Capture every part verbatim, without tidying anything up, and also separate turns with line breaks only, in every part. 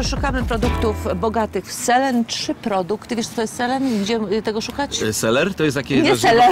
szukamy produktów bogatych w selen. Trzy produkty. Wiesz, co to jest selen? Gdzie tego szukać?
Seler? To jest takie...
Nie selen.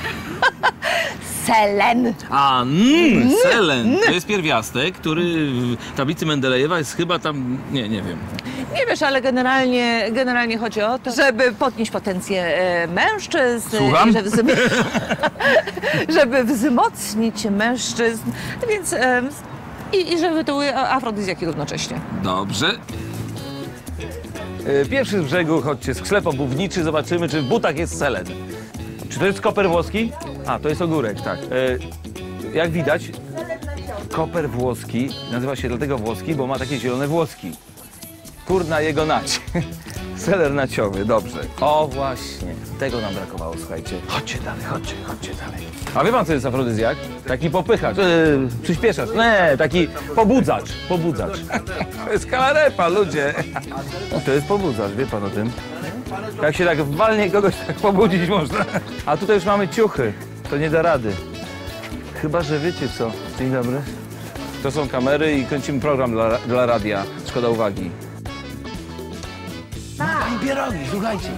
Selen.
A, mm, selen. To jest pierwiastek, który w tablicy Mendelejewa jest chyba tam... Nie, nie wiem.
Nie wiesz, ale generalnie, generalnie chodzi o to, żeby podnieść potencję e, mężczyzn.
Słucham?
I żeby, wzm żeby wzmocnić mężczyzn. Więc... E, i, I żeby to były afrodyzjaki równocześnie.
Dobrze.
Pierwszy z brzegu, chodźcie, sklep obuwniczy, zobaczymy, czy w butach jest selen. Czy to jest koper włoski? A, to jest ogórek, tak. E, jak widać, koper włoski nazywa się dlatego włoski, bo ma takie zielone włoski. Kurna jego nać. Seler naciowy, dobrze. O właśnie, tego nam brakowało, słuchajcie. Chodźcie dalej, chodźcie, chodźcie dalej. A wie pan, co jest afrodyzjak? Taki popychacz, yy, przyspieszacz, nie, taki pobudzacz, pobudzacz. To jest kalarepa, ludzie. To jest pobudzacz, wie pan o tym? Jak się tak walnie kogoś, tak pobudzić można. A tutaj już mamy ciuchy, to nie da rady. Chyba, że wiecie co. Dzień dobry. To są kamery i kręcimy program dla, dla radia. Szkoda uwagi. I pierogi, słuchajcie.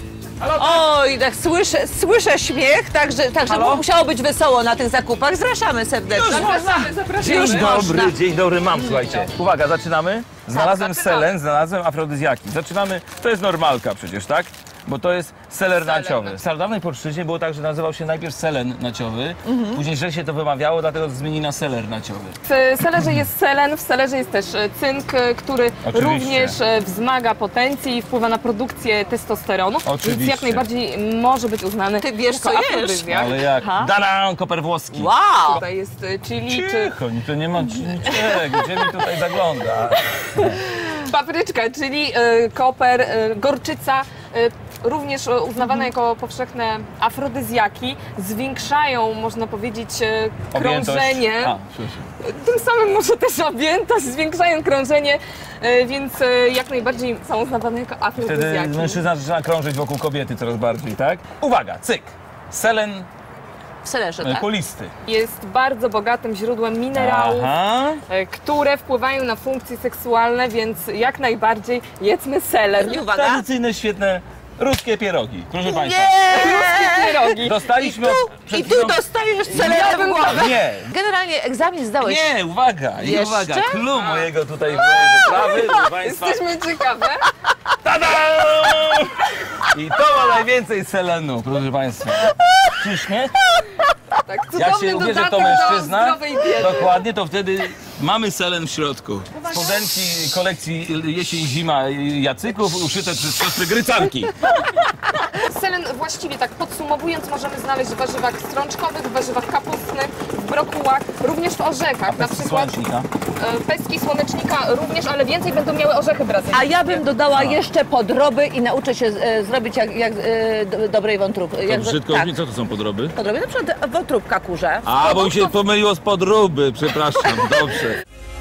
Oj, tak słyszę, słyszę śmiech, także, także
Halo?
musiało być wesoło na tych zakupach. Zapraszamy serdecznie.
Zapraszamy,
zapraszamy.
Dzień
Już
dobry,
można.
dzień dobry, mam, słuchajcie. Uwaga, zaczynamy. Znalazłem
zaczynamy.
selen, znalazłem afrodyzjaki. Zaczynamy, to jest normalka przecież, tak? Bo to jest seler naciowy. W starodawnej polszczyźnie było tak, że nazywał się najpierw selen naciowy,
Mhm.
później źle się to wymawiało, dlatego zmienili na seler naciowy.
W selerze jest selen, w selerze jest też e, cynk, e, który
Oczywiście.
również e, wzmaga potencję i wpływa na produkcję testosteronu,
Oczywiście.
więc jak najbardziej może być uznany
Ty wiesz,
jako
co jesz.
afrodyzjak.
Ale jak?
Aha.
Dadan, koper włoski.
Wow!
Tutaj jest e, chili czy
Cicho, to nie ma niczego, gdzie mi tutaj zagląda?
papryczka, czyli e, koper, e, gorczyca, e, również e, uznawane jako powszechne afrodyzjaki, zwiększają, można powiedzieć, e, krążenie.
A, przepraszam.
Tym samym może też objętość, zwiększają krążenie, e, więc e, jak najbardziej są uznawane jako
Wtedy
afrodyzjaki.
mężczyzna zaczyna krążyć wokół kobiety coraz bardziej, tak? Uwaga, cyk! Selen
W selerze,
e,
tak?
kulisty.
Jest bardzo bogatym źródłem minerałów,
Aha.
e, które wpływają na funkcje seksualne, więc jak najbardziej jedzmy seler.
I uwaga.
Tradycyjne, świetne ruskie pierogi. Proszę Państwa.
Ruskie pierogi.
I
Dostaliśmy
tu,
przed
i tu
chwilą-
dostajesz selerem w głowę.
Nie,
Generalnie egzamin zdałeś.
nie, uwaga, i
Jeszcze?
uwaga. Clue mojego tutaj mojej wyprawy, proszę Państwa.
Jesteśmy ciekawe.
Tada! I to ma najwięcej selenu, proszę Państwa. Czyż nie?
Tak,
Jak
cudowny
się ubierze to
dodatek
mężczyzna,
do zdrowej diety.
dokładnie, to wtedy
Mamy selen w środku.
spodenki kolekcji jesień-zima Jacyków uszyte przez siostry Grycanki.
Selen właściwie tak podsumowując możemy znaleźć w warzywach strączkowych, w warzywach kapustnych, w brokułach, również w orzechach. Na przykład
Słonecznika.
e, pestki słonecznika również, ale więcej będą miały orzechy brazylijskie.
A ja bym dodała jeszcze podroby i nauczę się e, zrobić jak, jak e, do, dobrej wątróbki.
To
Jak,
brzydko
tak,
brzmi, co to są podroby?
podroby, na przykład wątróbka kurze.
A, bo mi się pomyliło z podróby, przepraszam, dobrze.